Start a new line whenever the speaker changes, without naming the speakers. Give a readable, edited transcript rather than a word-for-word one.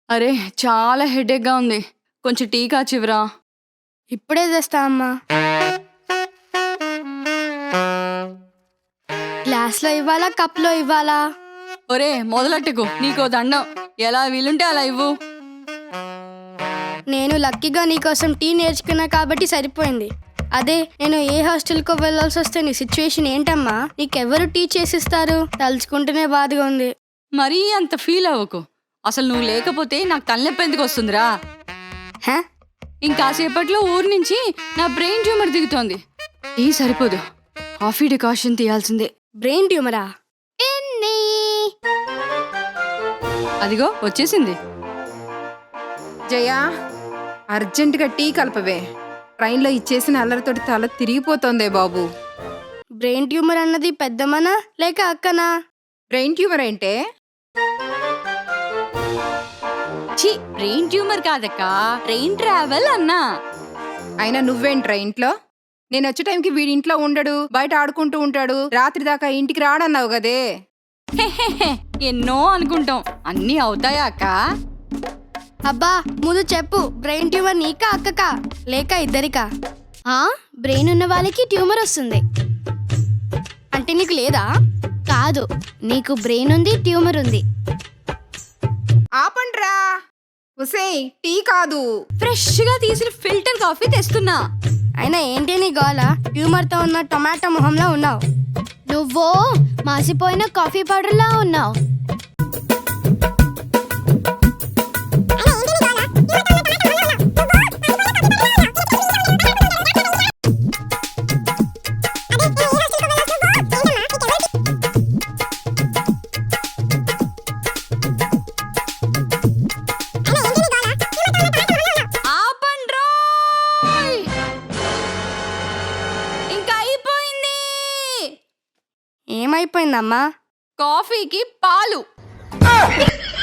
అరే! చాలా హెడేక్‌గా ఉంది. కొంచెం టీ కాచివ్వరా?
ఇప్పుడే తెస్తా అమ్మా. గ్లాస్‌లో ఇవ్వాలా? కప్‌లో ఇవ్వాలా?
ఒరేయ్! మొదలెట్టకు. నీకో దండం. ఎలా వీలుంటే అలా ఇవ్వు.
నేను లక్కీగా నీకోసం టీ నేర్చుకున్నా కాబట్టి సరిపోయింది. అదే నేను ఏ హాస్టల్‌కో వెళ్ళాల్సి వస్తే నీ సిచ్యువేషన్ ఏంటమ్మా? నీకెవరు టీ చేసిస్తారు? తలుచుకుంటేనే బాధగా ఉంది.
మరీ అంత ఫీల్ అవ్వకు. అసలు నువ్వు లేకపోతే నాకు తలనొప్పి ఎందుకు వస్తుందిరా?
హ?
ఇంకాసేపట్లో ఊరు నుంచి నా బ్రెయిన్ ట్యూమర్ దిగుతోంది. టీ సరిపోదు. కాఫీ డికాషన్ తీయాల్సిందే.
బ్రెయిన్ ట్యూమరా?
అదిగో వచ్చేసింది.
జయా, అర్జెంటుగా టీ కలపవే. ట్రైన్లో ఇచ్చేసిన అల్లరితోటి తల తిరిగిపోతోందే బాబు.
బ్రెయిన్ ట్యూమర్ అన్నది పెద్దమ్మనా లేక అక్కనా?
బ్రెయిన్ ట్యూమర్ ఏంటే?
ఛీ, బ్రెయిన్ ట్యూమర్ కాదక్క, ట్రైన్ ట్రావెల్ అన్నా.
అయినా నువ్వేంట్రా ఇంట్లో? నేను వచ్చే టైంకి వీడి ఇంట్లో ఉండడు, బయట ఆడుకుంటూ ఉంటాడు, రాత్రి దాకా ఇంటికి రాడన్నావు కదే.
హెహెహె, ఎన్నో అనుకుంటాం, అన్నీ అవుతాయా అక్క?
అబ్బా ముందు చెప్పు, బ్రెయిన్ ట్యూమర్ నీకా అక్కకా లేక ఇద్దరికా?
బ్రెయిన్ ఉన్న వాళ్ళకి ట్యూమర్ వస్తుంది.
అంటే నీకు లేదా?
కాదు, నీకు బ్రెయిన్ ఉంది, ట్యూమర్ ఉంది.
ఆపండ్రా. ఉసేయ్, టీ కాదు,
ఫ్రెష్గా తీసిన ఫిల్టర్ కాఫీ తెస్తున్నా.
అయినా ఏంటి నీ గోల? ట్యూమర్తో ఉన్న టొమాటో మొహంలో ఉన్నావు.
నువ్వో మాసిపోయిన కాఫీ పౌడర్లా ఉన్నావు.
ఆపండ్రోయ్! ఇంకా అయిపోయింది.
ఏమైపోయిందమ్మా?
కాఫీకి పాలు.